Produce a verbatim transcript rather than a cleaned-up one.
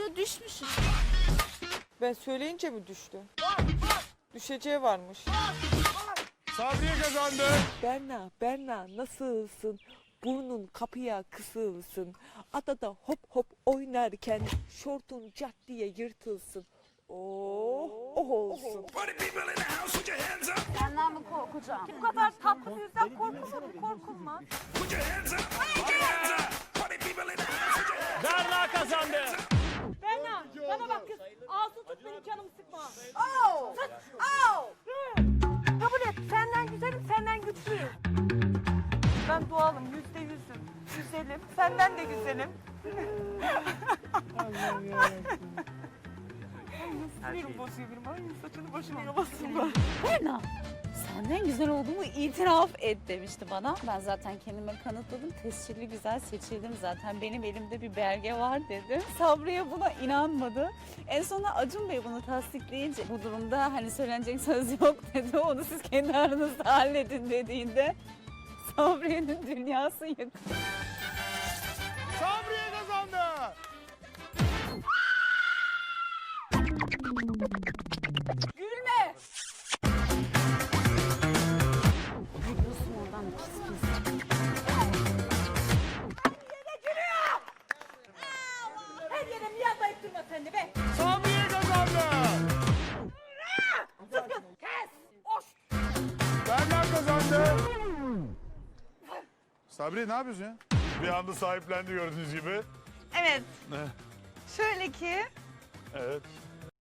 anda düşmüşüm. Ben söyleyince mi düştü? Düşeceği varmış. Sabriye kazandı. Berna, Berna nasılsın? Burnun kapıya kısılsın. Adada hop hop oynarken şortun cat diye yırtılsın. Oh, oh olsun. Senden mi korkacağım? Bu kadar tatlı yüzden korkulma mı korkulma? Berna kazandı. Berna bana bak kız. Ağzını tut benim canımı sıkma. Oh! Tut. Oh! Kabul et. Senden güzelim, senden güçlüyüm. Ben doğalım, yüzde yüzüm. Güzelim. Senden de güzelim. Allah'ım yarabbim. Sinirim bozuyor benim. Ay saçını başını yalasınlar. Berna, senden güzel olduğumu itiraf et demişti bana. Ben zaten kendime kanıtladım. Tescilli güzel seçildim zaten. Benim elimde bir belge var dedim. Sabriye buna inanmadı. En sonunda Acun Bey bunu tasdikleyince bu durumda hani söylenecek söz yok dedi. Onu siz kendi aranızda halledin dediğinde Sabriye'nin dünyası yıkıldı. Sabriye kazandı. Gülme. Gülüyorsun oradan pis pis. Her yere miyavlayıp durma sen de be. Sabriye kazandı. Sıkın. Kes. Oş. Berna kazandı. Sabriye ne yapıyorsun ya? Bir anda sahiplendi gördüğünüz gibi. Evet. Ne? Şöyle ki Evet.